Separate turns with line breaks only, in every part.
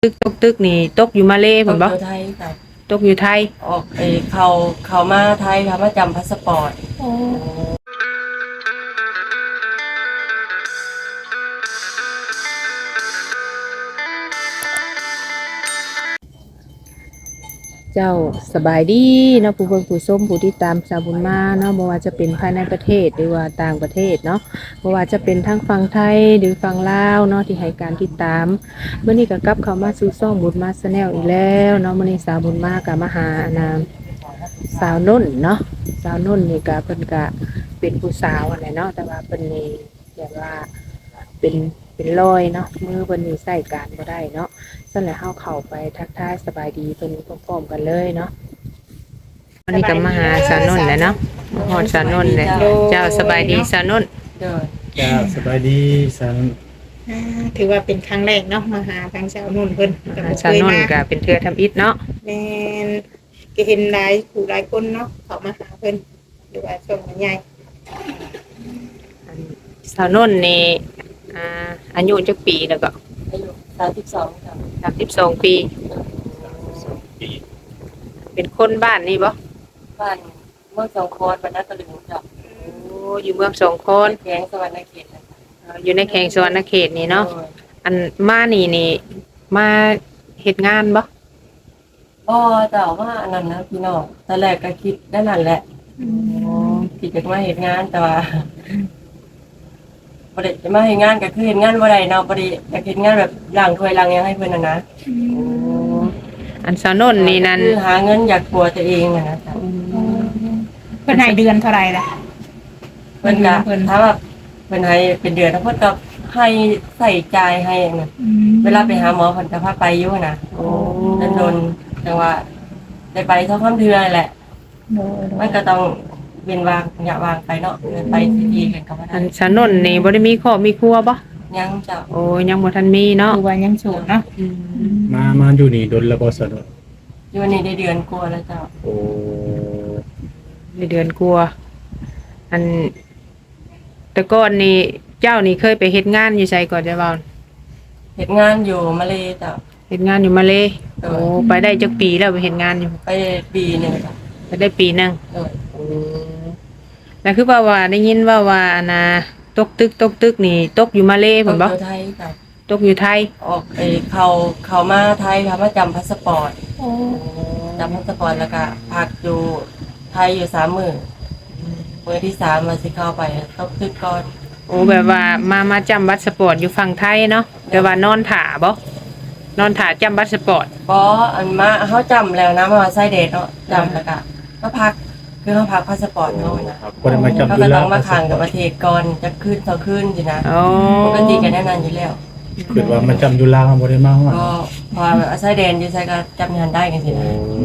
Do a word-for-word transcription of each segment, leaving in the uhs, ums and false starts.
ตึกตกตึกนี่ตกอยู่มาเลย์
ต
เพิ่
ก
นบ่
อยู่ไทยค่ะ
ตกอยู่ไทย
ออกไอเขาเขามาไทยค่ะมาจำพาสปอร์ต
เจ้าสบายดีเนาะผู้เบิ่งผู้ชมผู้ที่ตามสาวบุญมาเนาะบ่ว่าจะเป็นภายในประเทศหรือว่าต่างประเทศเนาะบ่ว่าจะเป็นทั้งฝั่งไทยหรือฝั่งลาวเนาะที่ให้การติดตามมื้อนี้ก็กลับเข้ามาสู่ช่องบุญมา Channel อีกแล้วเนาะมื้อนี้สาวบุญมาก็มาหาอนามสาวนุ่นเนาะสาวนุ่นนี่ก็เพิ่นก็เป็นผู้สาวนั่นแหละเนาะแต่ว่าเพิ่นนี่แบบว่าเป็นเป็นรอยเนาะมือเพิ่นนี่ใช้การบ่ได้เนาะซั่นแหละเฮาเข้าไปทักทายสบายดีเพิ่นพร้อมๆกันเลยเนาะวันนี้ก็มาหาสาวนุ่นแหละเนาะมาฮอดสาวนุ่นเลยเจ้าสบายดีสาวนุ่น
เดิน
จ้าสบายดีสัน
อ่าถือว่าเป็นครั้งแรกเนาะมาหาทางสาวนุ่นเพิ่นก็บ่
สาว
เคย
นุ่น
มา
ก็เป็นเทือทำอิฐเนาะ
แม่นก็เห็นหลายผู้หลายคนเนาะเขามาหาเพิ่นหรือว่าช่วงใหญ่
อันสาวนุ่นนี่อ่าอายุจักปีแล้วก็
อายุสามสิบสองค่ะ
สามสิบสองปีเป็นคนบ้านนี่บ่
บ้านเมืองสองโคนบรรณตะลึงจ้ะ
โอ้อยู่เมืองสองค
คน
น
แขงสวรรณเขตนะคะ
เอ่ออยู่ในแขวงสวรรณเขตนี่เนาะอันมานี่นี่มาเฮ็ดงานบ่
บ่แต่ว่าอันนั้นนะพี่น้องตอนแรกก็คิดได้นั่นแหละคิดจะมาเห็นงานแต่ว่าบ่ได้จะมาเห็นงานก็คือเห็นงานบ่ได้เนาะบ่ได้อยากเห็นงานแบบล้างถ้วยล้างหยังให้เพิ่นน่ะนะ
โอ้อันสาวนุ่นนี่นั่น
คือหาเงินอยากปัวตัวเองน่ะนะจ๊ะ
ๆเพิ่นให้เดือนเท่าไหร่ล่ะ
เพิ่นก็
เพิ่น
ถ้าแบบเพิ่นให้เป็นเดือนแล้วเพิ่นก็ให้ใส่ใจายให้น่ะเวลาไปหาหมอเพิ่นก็พาไปอยู่นะ
โอ้
โดนๆแต่ว่าได้ไปสักคำเทื่อแหละ
โดย
มันก็ต้องเว้นวางอย่าวางไปเนาะเดินไปทีๆกันก็บ่
อั
ได้
นสาวนุ่นนี่บ่ได้มีครอบมีครัวบ่
ยังจ้ะ
โอ้ยังบ่ทันมีเนาะ
คือว่ายังโสดเนาะ
อืม
มามาอยู่นี่ดนระบสน
อยู่นี่ได้เดือนกว่าแล้วจ้ะ
โอ้
ในเดือนกลัวอันแต่ก่อนนี่เจ้านี่เคยไปเฮ็ดงานอยู่ไสก่อนจะเว้า
เฮ็ดงานอยู่มาเลยจ้ะ
เฮ็ดงานอยู่มาเลย์
เออ
โอ้ไปได้จักปีแล้วไปเฮ็ดงานอยู่
ไปปีหนึงจ้ะ
ไปได้ปีหนึง
เออ
โอ้แล้วคือว่าว่าได้ยินว่าว่าอันน่ะตกตึกตกตึกนี่ตกอยู่มาเลย์
ต
เพิ่น
ก
บ่
อยู่ไทยจ้ะ
ตกอยู่ไทย
ออกไอเขาเขามาไทยค่ะมาจำพาสปอร์ต
โอ้
จำพาสปอร์ตแล้วก็พักอยู่ไทยอยู่สามมื้อมื้อที่สามมาสิเข้าไปตกตึกก่อน
โอ้แบบว่ามามาจำบัตรสปอร์ตอยู่ฝั่งไทยเนาะแต่ว่านอนถ่าบ่นอนถ่าจำบัตรสปอร์ต
บออันมาเขาจำแล้วนะมาไส้เดทเนาะจำแล้วก็มาพักคือเขาพักพาสปอร์ตเขานะ
ก็ได้มาจับ
เขา
ดู
ก็
แล
ต้องมาขังกับประเทศก่อนจะขึ้นต่อขึ้นสินะ
โอ้
ปกติกันแน่นอนอยู่แล้ว
คือว่ามาจำดูแลบ่ได้มาฮอด
ก็พออาไส้เดนอยู่ไส้ก็จำงานได้กันสินะ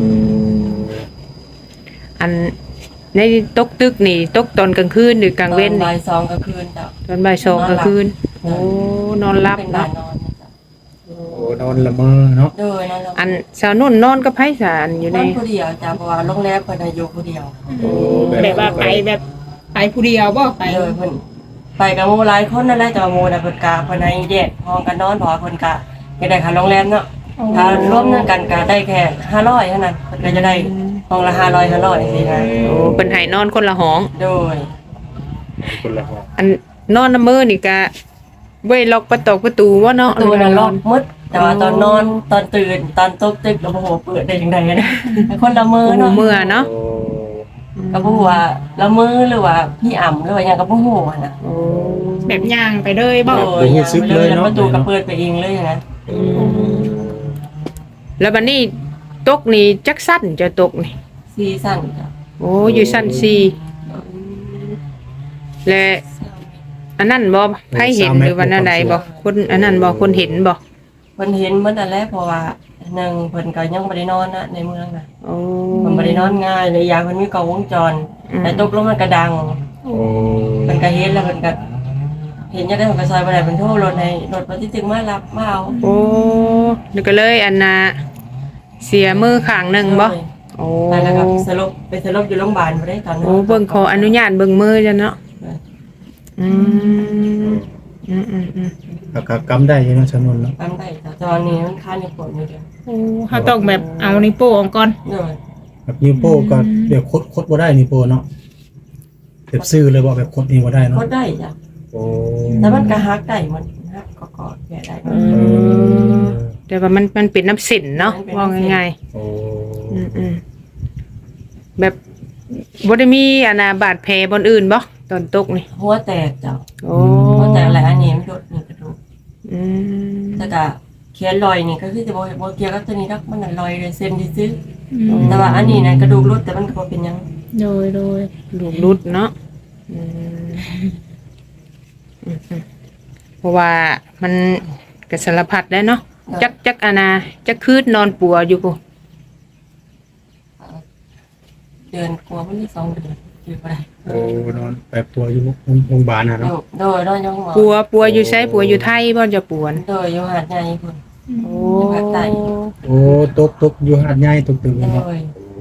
อันในตกตึกนี่ตกตอนกลางคืนหรือกลางเว้น
ตอ
นี่
บ่ายสองก็คืนจ้ะ
ตอนบ่ายสองกลางคืนโอ้นอนหลับ
เป็นบ้า
เนาะ
นนอนนะจ๊ะ
โอ้นอนละเมอเนาะ
โดยนั่นแหละ
อันสาวนุ่นนอนกับไผสารอยู่ใน
นอนผู้เดียวจ้ะเพราะว่าโรงแรมเพิ่นอายุผู้เดียว
โอ้
แบบว่าไปแบบไปผู้เดียวบ่ไป
โดยเพิ่นไปกับหมู่หลายคนนั่นแหละแต่ว่าหมู่น่ะเพิ่นกะเพิ่นให้แยกห้องกันนอนเพราะว่าเพิ่นกะอยากได้ค่าโรงแรมเนาะ ถ้ารวมกันก็ได้แค่ห้าร้อยเท่านั้นเพิ่นก็จะได้ห้องละห้าร้อยห้าร้อยสินะ
โอ้เพิ่นให้นอนคนละห้อง
โดย
คนละห้อง
อันนอนน้ำมือนี่ก็ไว้ล็อกประตูประตูว่าเนาะ
ตัวน่ะล็อกหมดแต่ว่าตอนนอนตอนตื่นตอนตกตึกก็บ่ฮู้ว่าเปิดได้จังไดนะคนละมือ
โอ้
เนาะ
เมื่อเนาะ
โอ้
ก็บ่ฮู้ว่าละมือหรือว่าพี่อ่ำหรือว่าหยังก็บ่ฮู้อะนะ
โอ้
แบบย่างไปเลยบ่
โอ้ยยังไปเลยแล้วประตูก็เปิดไปเองเลยอย่างนั้น
อืมแล้วบัดนี้ตกนี่จักสั้นจะตกนี่
ซีซั่นจ้ะ
โอ้อยู่สั้นสี่และอันนั้นบ่ไผเห็นหรือว่าอันใดบ่คนอันนั้นบ่คนเห็นบ่
เพิ่นเห็นหมดนั่นแหละเพราะว่าหนึ่งเพิ่นก็ยังบ่ได้นอนนะในเมืองน่ะ
โอ้
เพิ่นบ่ได้นอนง่ายเลยอย่างเพิ่นมีกล้องวงจร
อืม
แต่ตกลงมันก็ดัง
โอ้
มันก็เห็นแล้วมันก็เห็นยังได้มันก็ซอยบ่ได้มันโทรรถให้รถปฏิจึงมารับมาเอา
โอ้นี่ก็เลยอันน่ะเสียมือข้างหนึงบ่โอ้
ไปแล้วก็สลบไปสลบอยู่โรงพยาบาลบ่ได้ตอนนั้น
โอ้เบิ่งขออนุญาตเบิ่งมือจ้ะเนาะอืมอืมอืมอืม
อก็ก็กำได้อยู่เนาะชนวนเนาะ
ทำได้แต่ตอนนี้มันค่าในผลอยู่เดียว
โอ้เฮาต้องแบบเอานิ้วโป้งออกก่อน
โดย
แบบนิ้วโป้ก็เดี๋ยวคดคดบ่ได้นิ้วโป้เนาะแบบซื้อเลยบ่แบบคดนี่บ่ได้เนาะ
ก็ได้จ้ะ
โอ้
แต่มันก็ฮักได้มันฮักก็กอดแก่ได้
อืมแต่ว่ามันมันเป็นน้ำสินเนาะว่าง่าย
โอ้
ๆอืมอืมแบบบ่ได้มีอานาบาดแผลบนอื่นบ่ตอนตกนี่
หัวแตกจ้ะ
โอ้
หัวแตกหลายอันนี้ไม่โดดนี่กระดูก
อืม
แต่ก็เขียนรอยนี่ก็คือจะบ่บ่เกี่ยวกับตัวนี้ดอกมันน่ะรอยเลยเส้นซื่อ
อืม
ๆแต่ว่าอันนี้นะกระดูกรุดแต่มันก็บ่เป็นหยัง
โดยโดย
ลูกรุดเนาะอืมอืมอืมเพราะว่ามันก็สารพัดได้เนาะจักจักอานาจักคืดนอนปัวอยู่กู
เดือนกว่ามันนี่สองเดือนอยู่บ่ได้
โอ้นอนไปปัวอยู่โรงพยาบาลน่ะ
โด
เนาะ
ยโดยนอนอยู่ห้องหมอ
ปัวปัวอยู่ไสปัวอยู่ไทยบ่จะปวน
โดยอยู่หาดใหญ่พุ่น
โอ้
อยู่ภาคใต้
โอ้ตกตกอยู่หาดใหญ่ตกตึก
โด
เนาะ
ย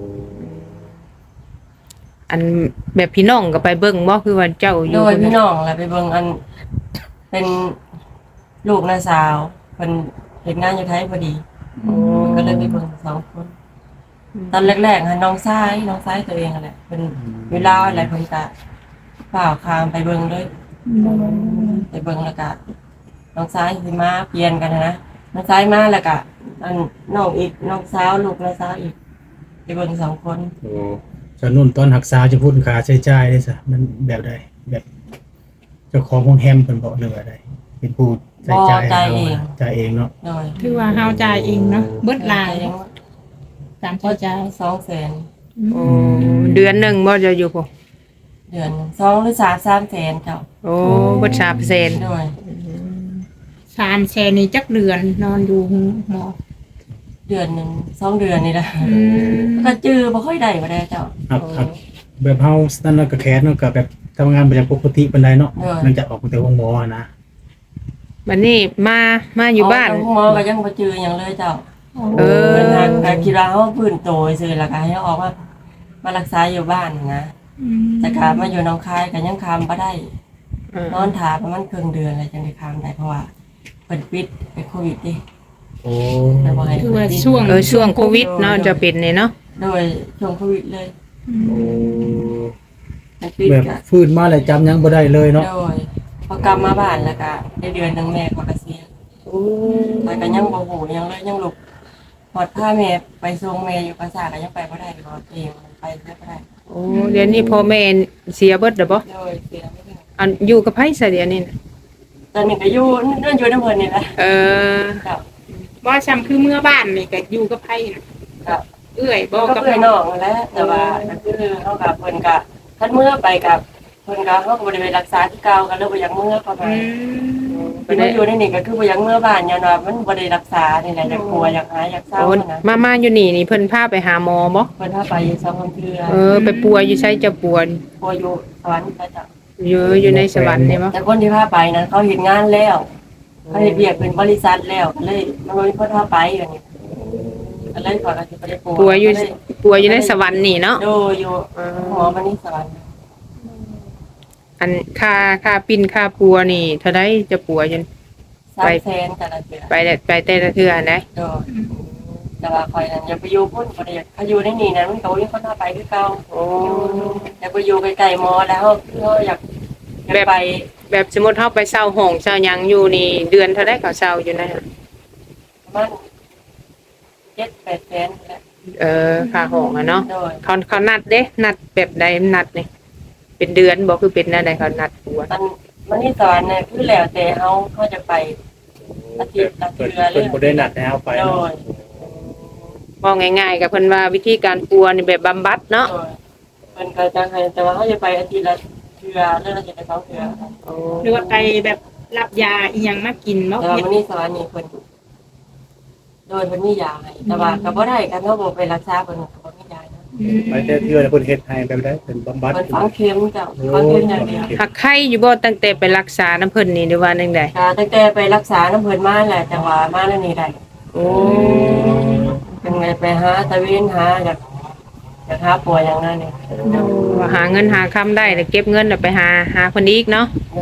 อันแบบพี่น้องก็ไปเบิ่งบ่คือว่าเจ้าอ
โด
ยู่
ยพี่น้องแหละไปเบิ่งอันเป็นลูกน้าสาวเพิ่นเฮ็ดงานอยู่ไทยพอดี
โอ้
ก็เลยไปเบิ่งสองคน ตอนแรกๆค่ะน้องชายน้องชายตัวเองนั่นแหละเป็นเวลาอะไรเพิ่นก็ฝ่าวคามไปเบิ่งเลยไปเบิ่งแล้วก็น้องชายสิมาเปลี่ยนกันนะน้องชายมาแล้วก็อันน้องอีกน้องสาวลูกน้าสาวอีกไปเบิ่งสองคน
โอ้ชนวนตอนรักษาจะพูดค่าใช้จ่ายได้ซะมันแบบใดแบบเจ้าของโรงแรมเพิ่นบอกเลยว่าใดเป็นผู้ใช้จ่ายจ่ายเองเนาะ
โดย
ถือว่าเฮาจ่ายเองเนาะเบิดหลาย
ยัง
ตามเข้าใจ
สองแสน
โอ้เดือนหนึงบ่จะอยู่กู
เดือนหนึ่งสองหรือสามสามแสนเจ้า
โอ้บ่สามเปอร์เซ็นต์
โดย
สามแสนนี่จักเดือนนอนอยู่หมอ
เดือนหนึ่งสองเดือนนี่แหละ
อืม
ก็จื้อบ่ค่อยได้บ่ได้เจ้า
ครับครับแบบเฮานั่นเนาะก็แคสเนาะก็แบบทำงานบ่อย่างปกติปานใดเนาะหลังจากออกจากโรงหมออะนะ
บัดนี้มามาอยู่บ้าน
เอหมอก็ยังบ่จื้อหยังเลยเจ้า
เออ
เป็นทางการคิดว่าเขาพื้นโตซื่อแล้วก็ให้เขาออกมามารักษาอยู่บ้านนะ
อืม
แต่การมาอยู่หน้องคายก็ยังคามบ่ได้
เออน
อนถาประมาณครึ่งเดือนอะไรจังได้คามได้เพราะว่าเปิดปิดไปโควิดดิ
โอ้
แต่บ่ให้
คือว่าช่วง
เออช่วงโควิดเนาะจะเป็นเนี่ยเนาะ
โดยช่วงโควิดเลย
โอ้
มันปิด
แบบ
ก็
ฟื้นมาแล้วจำหยังบ่ได้เลยเนาะ
โดยพอกลับมาบ้านแล้วก็ได้เดือนหนึงแม่ก็เกษียณแต่ก็ยังบ่ฮู้ยังเลยยังลุกพอดพาแม่ไปส่งแม่อยู่ภาษาก็ยังไปบ่ได้เพราะว่าเองมันไปไม่ได้
โอ้เดี๋ยวนี้พ่อแม่เสียเบิดแล้วบ่
โดยเสียไม่ได้
อันอยู่กับไผซะเดี๋ยวนี้น่ะ
ตอนนี้ก็อยู่นั่นอยู่ในเพิ่นนี่แหละ
เออ
ครับ
บ่ซ้ำคือเมื่อบ้านนี่ก็อยู่กับไผน่ะ
ครับ
เอื้อยบ่
ก็
กับ
เพื่อนน้องนั่นแหละแต่ว่าก็คือเขากับเพิ่นก็ท่านเมื่อไปกับเพิ่นก็เขาก็บ่ได้ไปรักษาที่เก่ากันเลยบ่อยากเมื่อเข้าไป
อืม
เพิ่นมาอยู่ในนี่ก็คือบ่อยากเมื่อบ้านย้อนว่ามันบ่ได้รักษานี่แหละอยากกลัวอยากหายอยากเศร้า
โอ้
นะ
มามาอยู่นี่นี่เพิ่นพาไปหาหมอบ่
เพิ่นพาไปอยู่สองคนเทื่อ
เออไปปัวอยู่ไสจะปวด
กลัวอยู่สวรรค์พระเจ้า
อยู่อยู่ในสวรรค์นี่บ่
แต่คนที่พาไปนั้นเขาเฮ็ดงานแล้วเขาเฮ็ดเวียกเป็นบริษัทแล้วก็เลยมันบ่มีคนพาไปอย่างนี้ก็เลยขอก็สิบ่ได้กลัว
ปัวอยู่ปัวอยู่ในสวรรค์นี่เนาะ
โดอยู่หมอมันนี่สวรรค์
อันค่าค่าปิ้นค่าปัวนี่เท่าใดจะปัวจน
สามแสนแต่ละเดือน
ไปแต่ไปแต่ละเทื่อนะ
โดยแต่ว่าคอยนั้นอย่าไปอยู่พุ่นบ่ได้อยากถ้าอยู่ในนี่นั้นมันก็บ่มีคนพาไปคือเก่า
โอ้
อย่าไปอยู่ไกลๆหมอแล้วเราอยากอยากไป
แบบสมมุติเฮาไปเช่าห้องเช่าหยังอยู่นี่เดือนเท่าใดเขาเช่าอยู่นะ
ประมาณเจ็ดแปดแสนแหละ
เออค่าห้องอะเนาะ
โดย
เขาเขานัดเด้นัดแบบใดนัดนี่เป็นเดือนบ่คือเป็นอะไรเขานัดปัว
ตอนมันนี่สอนเนี่ยคือแล้วแต่เฮาเขาจะไปอาทิตย์ละ
เพิ่น
เทื่อเล
เพิ่น
ย
บ่ได้นัดให้เอาไป
โด
เนาะ
ย
บอกง่ายๆกับเพิ่นว่าวิธีการปัวนี่แบบบำบัดเนาะ
โดยมันก็จะให้แต่ว่าเขาจะไปอาทิตย์ละเทื่อเรื่องละเจ็ดไปสองเทื่อ
โอ้
หรือว่าไปแบบรับยาอีหยังมากินบ่
แต่ว่ามันนี่สอนนี่เพิ่นโดยเพิ่นมียาให้แต่ว่าก็บ่ได้กันเฮาบ่ไปรักษาเพิ่นก็บ่มียานะ
อืม
ไปแต่เทื่อแล้วเพิ่นเฮ็ดให้แบบใดเพิ่นบำบัด
เพิ่นฝังเข็มจ้ะฝังเข็มอย่างเดียว
หักไข้อยู่บ่ตั้งแต่ไปรักษาน้ำเพิ่นนี่หรือว่าจังได
ก็ตั้งแต่ไปรักษาน้ำเพิ่นมาแหละจังหวะมาแล้วนี่ได้
โอ้
เป็นไงไปหาตะเวนหาอยากอยากหาป่วยอย่างนั้นนี่
ว่าหาเงินหาคำได้แล้วเก็บเงินแล้วไปหาหาเพิ่นอีกเนาะ
เลย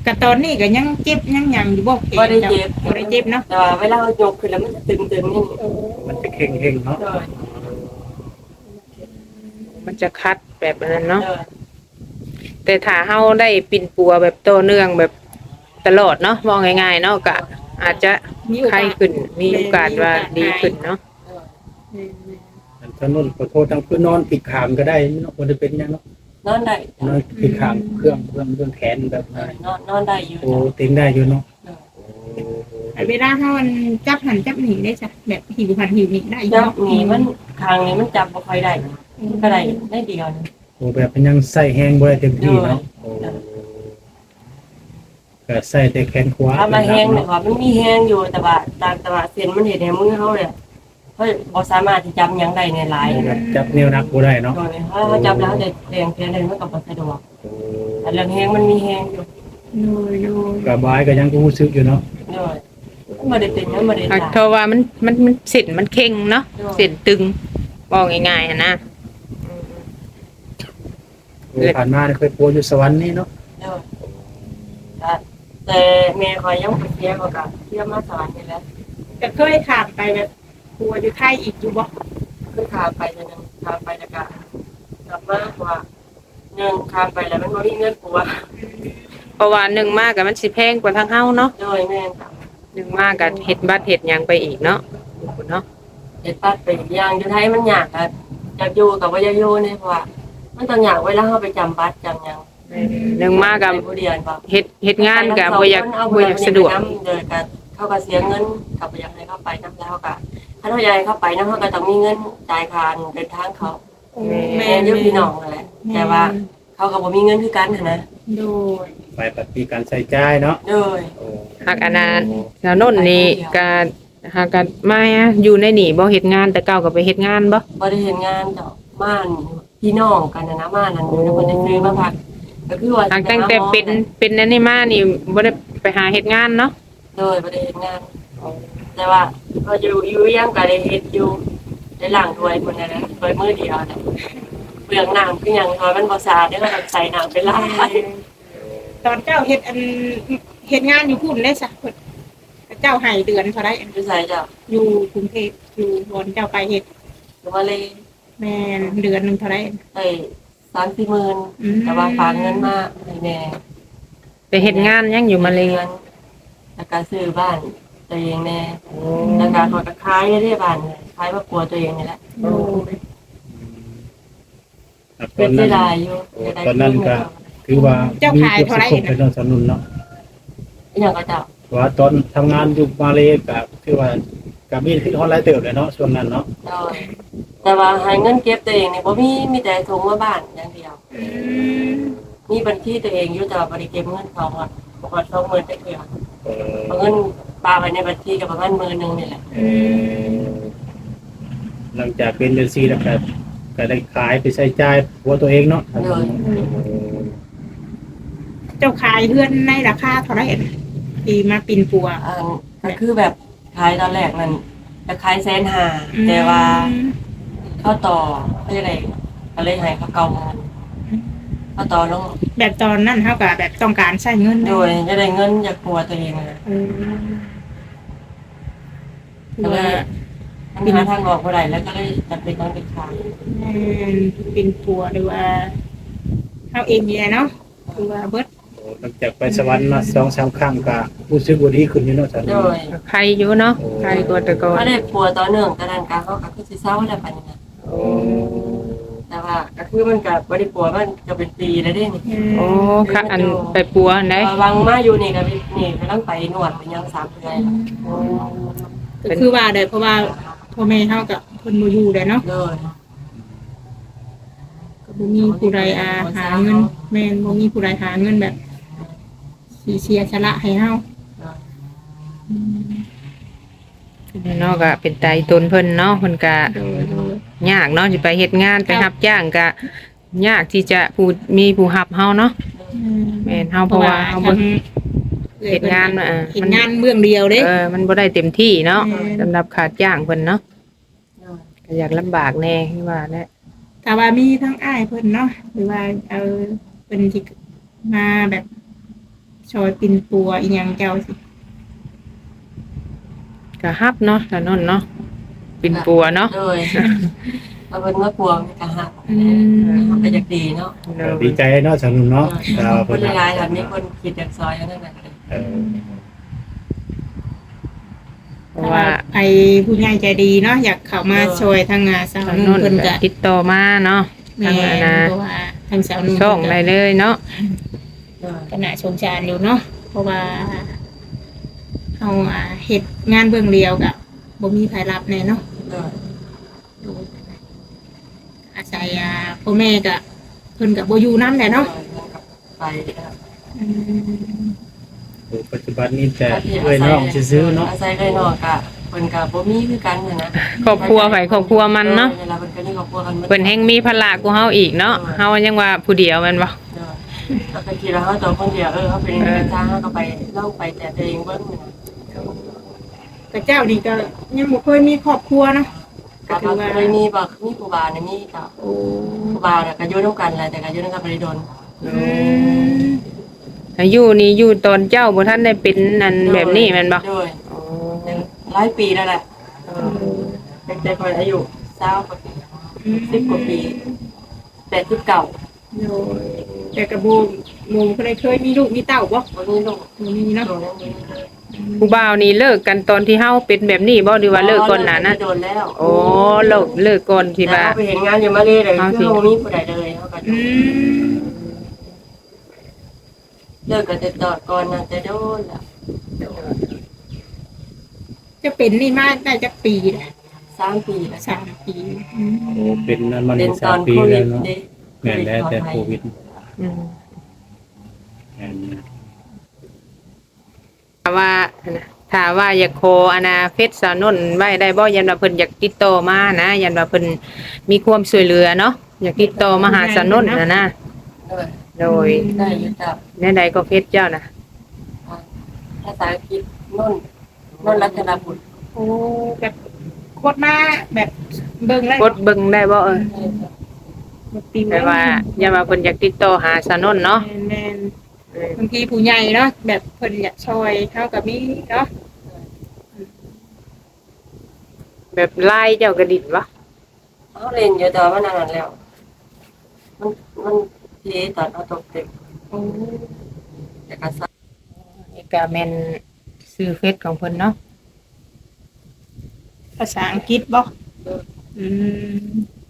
กะตอนนี้ก็ยังเจ็บยังหยังอยู่บ่แขน
บ่ได้เจ็บ
บ่ได้เจ็บเนาะ
แต่ว่าเวลาเรายกขึ้นแล้วมันจะตึงๆนี่
มันจะเข่งๆเนาะ
โดย
มันจะคัดแบบนั้นเนาะ
โดย
แต่ถ้าเฮาได้ปิ่นปัวแบบต่อเนื่องแบบตลอดเนาะมองง่ายๆเนาะก็อาจจะ
มีโอกาส
ไข้ขึ้นมีโอกาสว่าดีขึ้นเนาะ
อันถนนขอโทษทางคือนอนผิดขามก็ได้เนาะบ่ได้เป็นหยังเนาะ
นอนได้
นอนผิดขามเครื่องเครื่องเครื่องแขนแบบ
เอ
นั้น
อนอนนอนได้อยู่
โอ้เต็งได้อยู่เนาะ
ไอ้เวลาเฮามันจับหันจับหนีได้จ้ะแบบหิวหันหิวหนีได้อยู่
จับ
เนาะ
หนีมันคางนี้มันจับบ่ค่อยได้ก็ได้ได้เดียวนึง
โอ้แบบมันยังใส่แห้งบ่ได้เต็มที่เนาะโอ้ก็ใส่แต่แขนขวา
ถ้ามาแห้งเนี่ยว่ามันมีแห้งอยู่แต่ว่าตามแต่ว่าเส้นมันเห็นในมือเฮาเนี่ยเฮ้ยบ่สามารถที่จับหยังได้ในหลาย
แบบจับนิ้วนักบ่ได้เนาะ
โดยถ้าเขาจับแล้วจะเรียงเพียงเลยมันก็บ่สะดวกแต่เรื่องแห้งมันมีแห้งอยู่
โดยโดย
กับบายก็ยังรู้สึกอยู่เนาะ
โดยมันบ่ได้เป็นมันบ่ได้
อ่ะ
ตาย
เพราะว่ามันมันมันเส้นมันเข่งเนาะเส้นตึงบอกง่ายๆอะนะ
โอ้ผ่านมาเนี่ยเคยปัวอยู่สวรรค์นี่เนาะ
โดยแต่แต่แม่คอยยังบ่เสียก็กับเสียมาสอนนี่แหละ
ก็เคยถามไปแบบกลัวอยู่ไทยอีกอยู่บ่
คือข้ามไปจะนึงข้ามไปแล้วก็กลับมาว่าหนึ่งข้ามไปแล้วมันบ่มีเงินปัว
เพราะว่าหนึ่งมากกับมันสิแพงกว่าทางเฮาเนาะ
โดยแม่นค่ะ
หนึ่งมากกับเฮ็ดบัตรเฮ็ดหยังไปอีกเนาะเนาะ
เฮ็ดปัดไปอย่างอยู่ไทยมันยากอะอยากอยู่กับบ่อยากอยู่นี่เพราะว่ามันต้องยากเวลาเฮาไปจำบัตรจำหยัง
หนึ่งมากกับ
ผู้เรียนบ่
เฮ็ดเฮ็ดงานกับบ่อยากบ่อยากสะดวก
เดินกันเขาก็เสียเงินกับบ่อยากให้เขาไปนำแล้วเขาก็ถ้าเขาอยากให้เขาไปนำเขาก็ต้องมีเงินจ่ายค่าเดินทางเขา
แม่
แม่อยู่พี่น้องนั่นแหละแต่ว่าเขาก็บ่มีเงินคือกันหั้นนะ
โดย
ไปปฏิการใส่จ่ายเนาะ
โดย
โอ้
หากอันนั้นสาวนนท์นี่ก็หากกันมาอยู่ในนี่บ่เฮ็ดงานแต่เก่าก็ไปเฮ็ดงานบ่
บ่ได้เฮ็ดงานดอกบ้านพี่น้องกันนะนะบ้านนั้นอยู่ในคนได้ซื้อมาพักก็คือว่า
หากตั้งแต่เป็นเป็นอันนี้มานี่บ่ได้ไปหาเฮ็ดงานเนาะ
โดยบ่ได้เฮ็ดงาน แต่ว่าก็อยู่อยู่ยังก็ได้เฮ็ดอยู่ได้ล้างถ้วยคนนั้นนะถ้วยมือเดียวน่ะเปลืองน้ำคือหยังถ้วยมันบ่สะอาดเด้อก็ต้องใส่น้ำไปล้าง
ตอนเจ้าเฮ็ดอันเฮ็ดงานอยู่พุ่นได้ซะเพิ่นเจ้าให้เดือนเท่าไดอัน
คือใส่จ้ะ
อยู่กรุงเทพอยู่บอนเจ้าไปเฮ็ด
หรือว่าเลย
แม่นเดือนหนึงเท่าได
ไอ้สามสี่หมื่น
อืม
แต่ว่าฝากเงินมาให้แม่
ไปเฮ็ดงานยังอยู่มาเลย
งินแล้วก็ซื้อบ้านตัวเองแน่แล้วก็ขอตะขายได้บ้านเนี่ยขายมากลัวตัวเองนี่แหละ
โดย
ครับต
เป็
อน น
เสี
นั้
ย
น
ดายอยู่
โอ้ตอนนั้นก็ถือว่ามีเก็บสะสมไปนอนสนุนเนาะ
อหย่างก็เจ้า
ว่าตอนทำงานอยู่มาเลก็คือว่าก็มีที่ฮอลไลน์เติบเลยเนาะช่วงนั้นเนาะ
เจ้าแต่ว่าให้เงินเก็บตัวเองนี่บ่มีมีแต่ส่งมาบ้านอย่างเดียว
อืม
มีบัญชีตัวเองอยู่แต่ว่าบ่ได้เก็บเงินเขาอ่ะบ่ฮอดสองหมื่นจักเทื่อ
เออ
เอาเงินปาไว้ในบัญชีก็ประมาณหมื่นหนึงนี่แหละ
อืม
หลังจากเป็นเดือนสี่แล้วก็ก็ได้ขายไปใช้จ่ายหัวตัวเองเนาะ
เจ้าขายเฮือนในราคาเท่าไดที่มาปิ่นปัว
อันก็คือแบบขายตอนแรกนั่นจะขายแสนห้าแต่ว่า เข้าต่อเขาจะได้ก็เลยให้เขาเก่ามาเข้าต่อลง
แบบตอนนั้นเท่ากับแบบต้องการใช้เงิน
โดยจะได้เงินจากปัวตัวเองนะ
เออ
ก็เลยมันหาทางออกบ่ได้แล้วก็เลยจำเป็นต้องไปขาย
เออเป็นปัวหรือว่าเขาเองเนี่ยเนาะคือว่าเบิด
โอ้หลังจากไปสวรรค์มาสองสามครั้งก็รู้สึกว่าดีขึ้นอยู่เนาะสา
โด
นุน
ย
ใครอยู่เนาะใครกว่าแต่ก่อน
ก็ได้ปัวต่อเนื่องแต่นั้นก็เขาก็คือสิเศร้าแล้วปานนี้นะ
โอ้
แต่ว่าก็คือมันก็บ่ได้ปัวมันก็เป็นปีแล้วเด้นี่
โอ้ค่ะอันไปปัวอันใด
วางมาอยู่นี่ก็เป็นนี่ก็ต้องไปนวดเป็นยังสามเดือน
ก็คือว่าเด้เพราะว่าพ่อแม่เฮากับเพิ่นบ่อยู่เลยเนาะ
โดย
ก็บ่มีผู้ใดอาหาเงินแม่นบ่มีผู้ใดหาเงินแบบสิเสียสละให้เฮา
เนาะก็เป็นไตตนเพิ่นเนาะเพิ่นก็
โดยโดย
ยากเนาะสิไปเฮ็ดงานไปรับจ้างก็ยากที่จะผู้มีผู้รับเฮาเนาะแม่นเฮาเพราะว่าเฮาบ่ เฮ็ดงานมาอ่ะ
เฮ็ดงานเบื้องเดียวเด้
เออมันบ่ได้เต็มที่เนาะ
อืม
สำหรับขาดจ้างเพิ่นเนาะ
โดย
ก็อยากลำบากแน่คือว่าแหละ
ถ้าว่ามีทั้งอ้ายเพิ่นเนาะหรือว่าเอาเพิ่นสิมาแบบชอยปินปัวอีหยังเจ้าสิ
ก็ฮับเนาะถนนเนาะเป็นปัวเนาะ
โดยเอาเป็นว่าปวงกะหัก
อืม
มันก็อยากดีเนาะ
ดีใจเนาะสนุนเนาะ
ค
เรา
น
เพิ่น
หลายๆแบบมีคนคิดอยากซอยนั่นแหละ
เออ
เพราะว่า
ไอ้ผู้ใหญ่ใจดีเนาะอยากเข้ามาช่วยทางงานสาว
ถน
นุ่น
น
เพิ่นก็
ติดต่อมาเนาะ
แม่
ทางอนา
เพราะว่าทางสาวนุ่น
ช่องได้เลยเนาะ
ก็น่าสงสารอยู่เนาะเพราะว่าเฮาอ่าเฮ็ดงานเบื้องเดียวก็บ่มีรายรับแน่เนาะอาศัยอ่าพ่อแม่ก็เพิ่นก็บ่อยู่นำแหละเนาะ
ไป
อืม
ปัจจุบันนี้แต่เอ้ยน้องซื้อๆเนาะ
อาศัยเลยเนาะกะเพิ่นก็บ่มีคือกันนะ
ครอบครัวไผครอบครัวมันเนาะ
เวลาเพิ่นก็มีครอบครัวกัน
เพิ่นแฮงมีภาระกูเฮาอีกเนาะเฮายังว่าผู้เดียวแม่นบ่
แล้วก็คิดว่าเฮาตัวคนเดียวเออเฮาเป็นจ้างเฮาก็ไปเล่าไปแต่ตัวเองเบิ่งนะ
แต่เจ้านี่ก็ยังบ่เคยมีครอบครัวเนาะก็
ก็
ถือว่า
เคยมีบ่มีครูบาเนี่ยมีก็
โอ้
ครูบาเนี่ยก็อยู่นำกันแหละแต่ก็อยู่นำกันบ่ได้โดน
อืม
อายุนี่อยู่ตอนเจ้าบ่ทันได้เป็นนั่นแบบนี้แม่นบ่
โดยหลายปีแล้วแหละเออเด็กๆคนอายุเศร้ากว่าปีสิบกว่าปีแปดสิบเก้า
โดยแต่กระบูหมูเคยเคยมีลูกมีเต้าบ่
วันนี้ลูก
บ่มีเนาะ
โดนแล้วมี
ผู้บ่าวนี่เลิกกันตอนที่เฮาเป็นแบบนี้บ่หรือว่าเลิกก่อนหน้านั้น
โดนแล้ว
โอ้เลิกเลิกก่อนที่ว่า
แล้วไปเห็นงานอยู่มาเลยเลย
เอาสิ
คือบ่มีผู้ใดเลยเขาก็
อืม
เลิกกันแต่ตอดก่อนน่ะจะโดนแล้ว
จะเป็นนี่มาได้จักปีแหละ
สามปีแล้ว
สามปีอืม
โอ้เป็นนั่นมัน
เป็นต
สา
อ
ม
น
ปี
โควิ
แล้
ด
วเนาะ
เด้
แม่นแล้วแต่โควิด
อืม
แม่นนะ
ถ้าว่าถ้าว่าอยากโคอนาเฟซสาวนนไว้ได้บ่ยันว่าเพิ่นอยากติดต่อมานะยันว่าเพิ่นมีความช่วยเหลือเนาะอยากติดต่อมาหาสาวนนน่ะนะ
เออ
โดย
ได้อยู่จับ
แนวใดก็เฟซเจ้าน่ะ
ภาษาอังกฤษนุ่นนุ่นรัตนบุตร
โอ้แบบโคตรมาแบบเบิ่งแล้ว
กดเบิ่งได้บ่เออ
ปี
แต่ว่าอย่าว่าเพิ่นอยากติดต่อหาสาวนนเนาะ
แม่นๆบางทีผู้ใหญ่เนาะแบบเพิ่นอยากช่วยเฮาก็มีเนาะ
แบบไล่เจ้ากระดิ่นบ่
เขาเล่นอยู่แต่ว่ามันนานแล้ว มันมันเทตอนเขาตกเด็ก
โอ้
แต่ก็ซัก
นี่ก็แม่นชื่อเฟซของเพิ่นเนาะ
ภาษาอังกฤษบ่อืม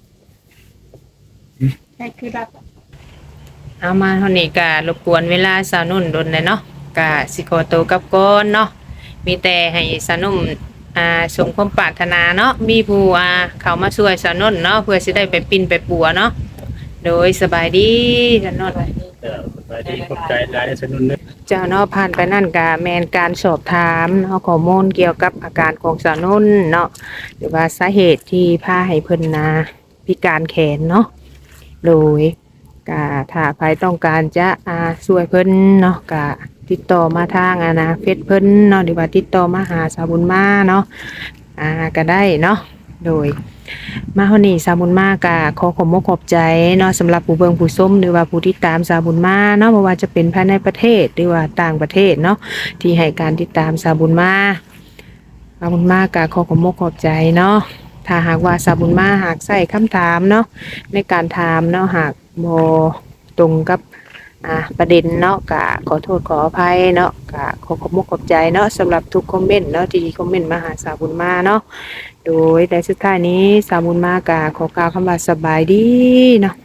ใช่คือรับ
เอามาเท่านี้ก็รบกวนเวลาสาวนุ่นดนเลยเนาะก็สิขอตัวกลับก่อนเนาะมีแต่ให้สาวนุ่มอ่าสมความปรารถนาเนาะมีผู้อ่าเข้ามาช่วยสาวนุ่นเนาะเพื่อสิได้ไปปิ่นไปปัวเนาะโดยสบายดีสาวนุ่น
เออสบายดีขอบใจหลายสนุนเด้อ
เจ้าเนาะผ่านไปนั่นก็แม่นการสอบถามเนาะข้อมูลเกี่ยวกับอาการของสาวนุ่นเนาะหรือว่าสาเหตุที่พาให้เพิ่นนาพิการแขนเนาะโดย ก็ถ้าใครต้องการจะอ่าช่วยเพิ่นเนาะก็ติดต่อมาทางอานาเฟซเพิ่นเนาะหรือว่าติดต่อมาหาสาวบุญมาเนาะอ่าก็ได้เนาะโดยมาเฮานี่สาวบุญมาก็ขอขอบคุณขอบใจเนาะสำหรับผู้เบิ่งผู้ชมหรือว่าผู้ติดตามสาวบุญมาเนาะบ่ว่าจะเป็นภายในประเทศหรือว่าต่างประเทศเนาะที่ให้การติดตามสาวบุญมาสาวบุญมาก็ขอขอบคุณขอบใจเนาะถ้าหากว่าสาวบุญมาหากใส่คำถามเนาะในการถามเนาะหาก บ่ตรงกับอ่าประเด็นเนาะก็ขอโทษขออภัยเนาะก็ขอขอบคุณขอบใจเนาะสำหรับทุกคอมเมนต์เนาะที่คอมเมนต์มาหาสาวบุญมาเนาะโดยในสุดท้ายนี้สาวบุญมาก็ขอกล่าวคำว่าสบายดีเนาะ